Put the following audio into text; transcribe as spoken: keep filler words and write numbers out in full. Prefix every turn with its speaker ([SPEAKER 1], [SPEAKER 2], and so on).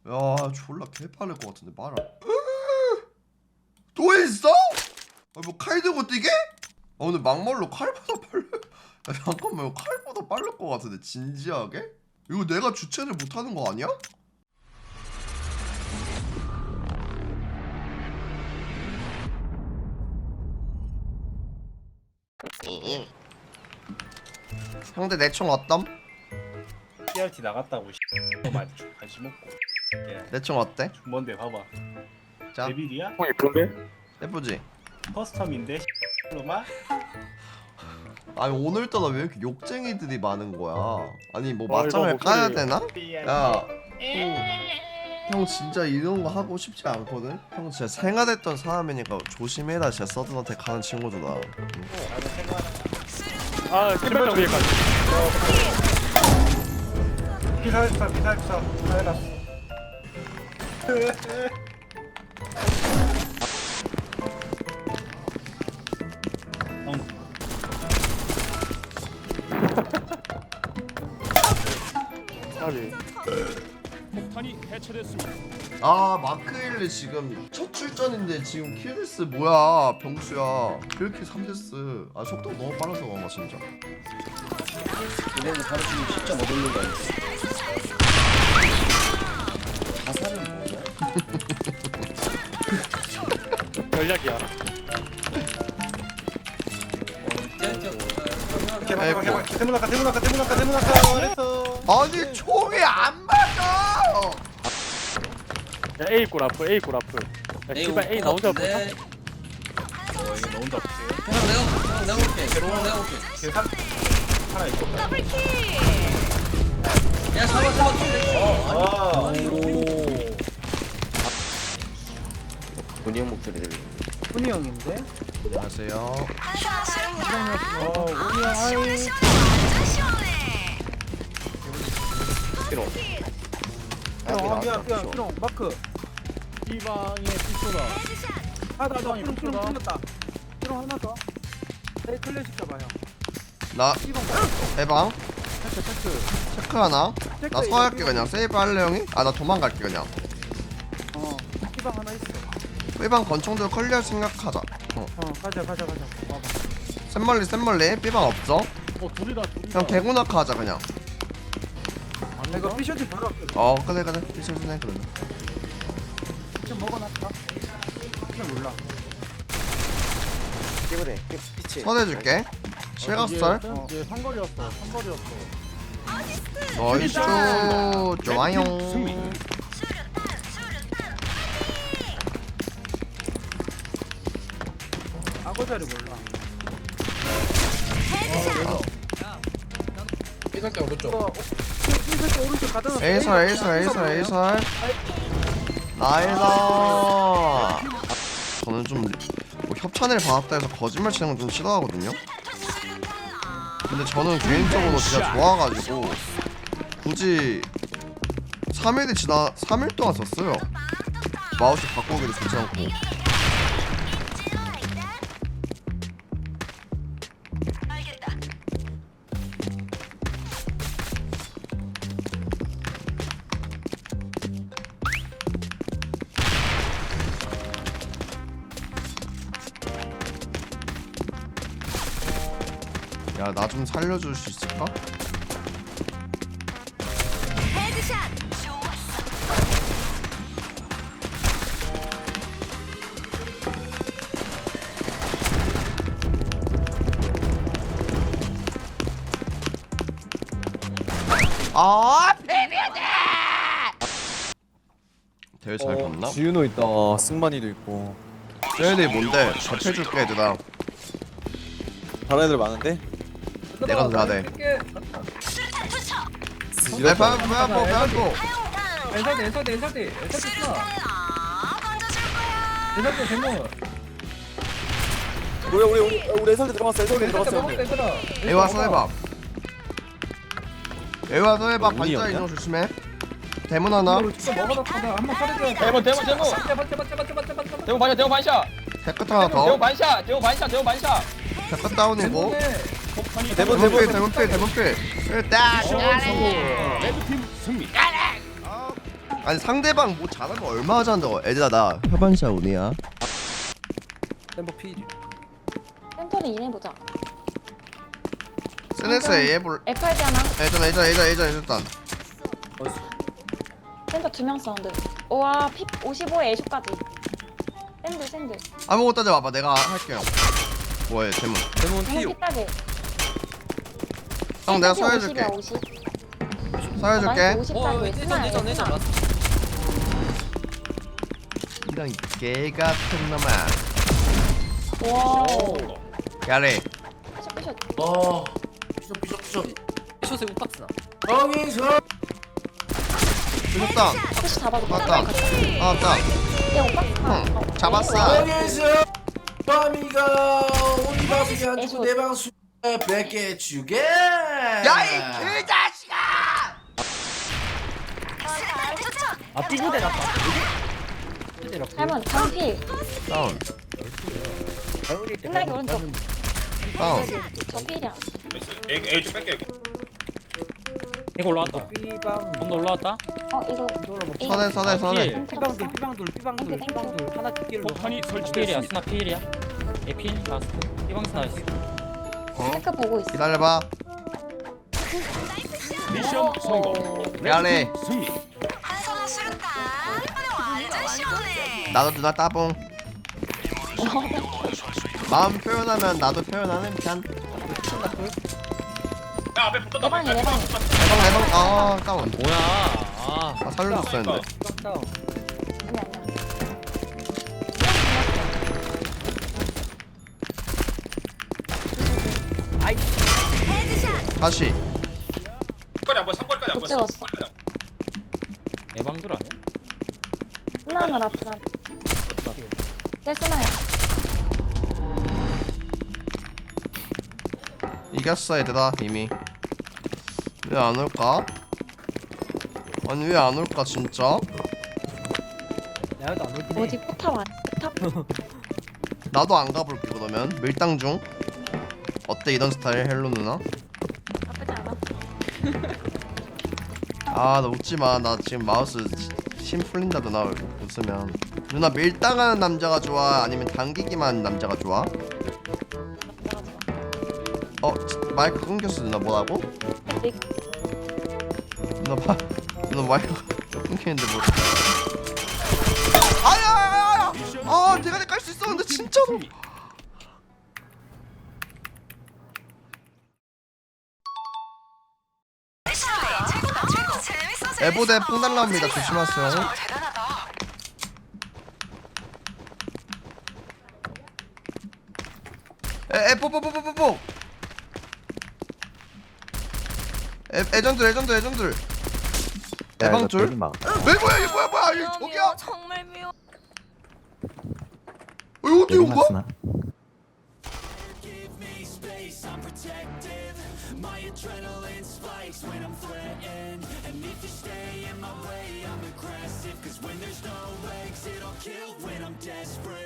[SPEAKER 1] 야 졸라 개빠를 것 같은데 말아. 또 있어? 아, 뭐 칼 들고 뛰게? 아 오늘 막말로 칼보다 빨라. 야 잠깐만 이거 칼보다 빠를 것 같은데 진지하게? 이거 내가 주체를 못하는 거 아니야? 형들 내 총 어떤?
[SPEAKER 2] 씨알티 나갔다고 많이 관심 없고. 예.
[SPEAKER 1] 내 총 어때?
[SPEAKER 2] 뭔데 봐봐.
[SPEAKER 1] 자
[SPEAKER 2] 데빌이야?
[SPEAKER 3] 형 예쁜데?
[SPEAKER 1] 예쁘지?
[SPEAKER 2] 커스텀인데 로만?
[SPEAKER 1] 아니 오늘따라 왜 이렇게 욕쟁이들이 많은 거야? 아니 뭐
[SPEAKER 3] 아,
[SPEAKER 1] 맞짱을
[SPEAKER 3] 이거
[SPEAKER 1] 까야
[SPEAKER 3] 목소리.
[SPEAKER 1] 되나? 야, 형 진짜 이런 거 하고 싶지 않거든? 형 진짜 생활했던 사람이니까 조심해라 진짜 서든한테 가는 친구들아. 응?
[SPEAKER 2] 나도 생각하는
[SPEAKER 3] 아 신발장 위에까지.
[SPEAKER 2] 피살사 피살사 피살사.
[SPEAKER 3] 까비.
[SPEAKER 4] 폭탄이 해체됐습니다.
[SPEAKER 1] 아 마크일리 지금 첫 출전인데 지금 킬데스 뭐야 병수야. 킬킬 삼 데스. 아 속도가 너무 빨라서 그런가 진짜.
[SPEAKER 5] 이래서 바로 지금 진짜 못 올린 거 아니야? 자살은 뭐야?
[SPEAKER 3] 전략이야.
[SPEAKER 2] 개발 개발 대문학과 대문학과 대문학과 대문학과 그랬어.
[SPEAKER 1] 아니 총이 안 맞아.
[SPEAKER 3] 야 A 골 앞을 A 골 앞을. 야 씨발 A 나 혼자 못.
[SPEAKER 5] 네.
[SPEAKER 2] 어 이거 너 혼자 없지.
[SPEAKER 5] 형 내가 형 내가 볼게. 형 내가 볼게.
[SPEAKER 2] 계산 하나 있고.
[SPEAKER 5] 야 잡아 잡아 잡아.
[SPEAKER 2] 아.
[SPEAKER 5] 본이 형 목소리 들리.
[SPEAKER 6] 훈이 형인데?
[SPEAKER 1] 안녕하세요.
[SPEAKER 6] 어, 훈이 형 하이.
[SPEAKER 5] 피로.
[SPEAKER 6] 형, 삐ong, 삐ong, 삐ong, 마크.
[SPEAKER 4] 이방의 피소다.
[SPEAKER 6] 아, 나, 나, 삐ong, 삐ong, 틀렸다. 삐ong 하나 더. 네, 클래식 잡아, 형.
[SPEAKER 1] 나
[SPEAKER 6] 삐ong,
[SPEAKER 1] 해방
[SPEAKER 6] 체크, 체크.
[SPEAKER 1] 체크 하나. 나 서할게 그냥 세이브 할래 형이? 아 나 도망갈게 그냥.
[SPEAKER 6] 어, 삐방 하나 있어.
[SPEAKER 1] 삐방 권총들 컬리할 생각하자. 어.
[SPEAKER 6] 어, 가자, 가자, 가자. 와봐.
[SPEAKER 1] 샘멀리 샘멀리 삐방 없어?
[SPEAKER 4] 어 둘이다 둘이다.
[SPEAKER 1] 그냥 개구나카 하자 그냥.
[SPEAKER 6] 내가 피셔츠 바로 할게.
[SPEAKER 1] 어 그래 그래 피셔츠네 그러면.
[SPEAKER 6] 좀 먹어놨다. 그냥 몰라.
[SPEAKER 5] 깨버려. 피치.
[SPEAKER 1] 서대줄게. 실각설.
[SPEAKER 6] 어.
[SPEAKER 4] 이제 상거리였어. 상거리였어.
[SPEAKER 1] 나이스 좋아요.
[SPEAKER 4] 승리.
[SPEAKER 6] 악어자리 몰라.
[SPEAKER 5] 삐살게 오른쪽.
[SPEAKER 6] 이거, 어, 피셔츠 오른쪽 가다 놨어.
[SPEAKER 1] 에이설 에이설 에이설 에이설. 나이스. 저는 좀 뭐 협찬을 받았다 해서 거짓말 치는 건 좀 싫어하거든요. 근데 저는 개인적으로 진짜 좋아가지고 굳이 삼 일이 지나 삼 일 동안 썼어요. 마우스 바꾸기도 좋지 않고. 야 나 좀 살려줄 수 있을까? 아 비비드! 대회 잘 봤나?
[SPEAKER 7] 지윤호 있다. 승만이도 있고.
[SPEAKER 1] 쟤네들이 뭔데? 접해줄게 얘들아.
[SPEAKER 7] 다른 애들 많은데?
[SPEAKER 1] 내가 더 잘해. 내
[SPEAKER 7] 지렸다.
[SPEAKER 1] 방, 방, 방, 방,
[SPEAKER 6] 엔사드, 엔사드, 엔사드. 엔사드 쳐. 엔사드 대문.
[SPEAKER 7] 우리 우리 우리 우리 애설대 들어갔어. 애설대 들어갔어. 우리.
[SPEAKER 1] 여기 와서 해봐. 여기 와서 해봐.
[SPEAKER 7] 운이
[SPEAKER 1] 반자
[SPEAKER 7] 없냐?
[SPEAKER 1] 인형 조심해. 대문 하나.
[SPEAKER 6] 먹어놨거든. 한번 꺼내줘야 돼.
[SPEAKER 8] 대본 대본 대본
[SPEAKER 6] 제발, 제발, 제발, 제발, 제발, 제발.
[SPEAKER 8] 대본 반샷 대본 반샷
[SPEAKER 1] 태끝 하나
[SPEAKER 8] 대본
[SPEAKER 1] 더.
[SPEAKER 8] 반샷 대본 반샷 대본 반샷
[SPEAKER 1] 태끝 다운이고.
[SPEAKER 7] 대본
[SPEAKER 1] 대문
[SPEAKER 7] 대본
[SPEAKER 1] 필, 대문 필, 대문 필. 일단.
[SPEAKER 4] 레드팀 승리.
[SPEAKER 1] 아니 상대방 뭐 잘하면 얼마나 잘한다고. 애들아 나 협반샷 운이야.
[SPEAKER 5] 템버 필.
[SPEAKER 9] 센터를 인해보자.
[SPEAKER 1] 스네스 A 해볼.
[SPEAKER 9] 에프알디 하나.
[SPEAKER 1] 예전 예전 예전 예전 일단.
[SPEAKER 9] 센터 두 명 사운드. 우와 피 오십오에 애쇼까지. 샌드 샌드.
[SPEAKER 1] 아무것도 하지 마봐. 내가 할게요. 뭐해 대문.
[SPEAKER 5] 데몬
[SPEAKER 9] 형
[SPEAKER 5] 피.
[SPEAKER 9] 피따게.
[SPEAKER 1] 형 내가 서해줄게.
[SPEAKER 9] 오십.
[SPEAKER 1] 서해줄게.
[SPEAKER 9] 오십
[SPEAKER 5] 어
[SPEAKER 9] 짜리.
[SPEAKER 5] 예전 예전 예전 라스트.
[SPEAKER 1] 이런 개 같은 놈아.
[SPEAKER 9] 와.
[SPEAKER 1] 야래.
[SPEAKER 9] 샷
[SPEAKER 6] 어 피숍 피숍 피숍
[SPEAKER 5] 숏에 우박스나.
[SPEAKER 6] 정인서
[SPEAKER 1] 죽었다.
[SPEAKER 9] 푸시 잡아줘.
[SPEAKER 1] 맞다. 아 맞다.
[SPEAKER 9] 얘 오빠.
[SPEAKER 1] 응. 잡았어.
[SPEAKER 6] 정인서 밤이가 우리 밥이 안고 내 방수에 뺏게 주게
[SPEAKER 1] 야이 개자식아!
[SPEAKER 4] 아 삐부대 났다.
[SPEAKER 9] 할머니 장필.
[SPEAKER 1] 다운.
[SPEAKER 9] 끝나기 오른쪽.
[SPEAKER 1] 다운.
[SPEAKER 9] 저 필이야.
[SPEAKER 4] 이거 올라왔다. 언더 올라왔다.
[SPEAKER 9] 어 이거.
[SPEAKER 1] 서대 서대 서대.
[SPEAKER 9] 피방돌 피방돌 피방돌 피방돌 하나 킬로.
[SPEAKER 4] 폭탄이 설치됐습니다. 스나 필이야. 에필 라스트. 피방스 나이스.
[SPEAKER 1] 어?
[SPEAKER 9] 체크 보고 있어.
[SPEAKER 1] 기다려봐.
[SPEAKER 4] 미션 성공.
[SPEAKER 1] 미안해.
[SPEAKER 4] 승리.
[SPEAKER 1] 나도 누나 따봉. 마음 표현하면 나도 표현하는 편.
[SPEAKER 9] 내 방에 내 방에.
[SPEAKER 1] 대박 대박. 아 다운.
[SPEAKER 4] 뭐야? 아.
[SPEAKER 1] 아 살려줬어 했는데.
[SPEAKER 5] 다운.
[SPEAKER 9] 아니 아니야.
[SPEAKER 1] 다시.
[SPEAKER 9] 못 찍었어.
[SPEAKER 4] 예방들 아니야?
[SPEAKER 9] 하나는 앞으로. 내 쓰나야.
[SPEAKER 1] 이겼어 얘들아 이미. 왜 안 올까? 아니 왜 안 올까 진짜?
[SPEAKER 9] 어디 포탑 안? 포탑?
[SPEAKER 1] 나도 안 가볼게 그러면. 밀당 중. 어때 이런 스타일 헬로 누나?
[SPEAKER 9] 나쁘지 않아.
[SPEAKER 1] 아 나 웃지마. 나 지금 마우스 심 풀린다 누나 웃으면. 누나 밀당하는 남자가 좋아 아니면 당기기만 하는 남자가 좋아? 어 마이크 끊겼어 누나. 뭐라고? 누나 마 누나 마이크 끊기는데 뭐? 아야야야야! 아 내가 깔 수 있었는데 진짜로. 에보대 뽕 날라옵니다. 조심하세요. 에에 뽀뽀뽀뽀뽀뽀. 에 애전들 애전들 애전들. 애방줄? 왜 뭐야 이게 뭐야 뭐야 이게 저기야?
[SPEAKER 9] 정말 미워.
[SPEAKER 1] 어, 이거 어떻게 온 거야?
[SPEAKER 10] Cause when there's no legs, it'll kill when I'm desperate.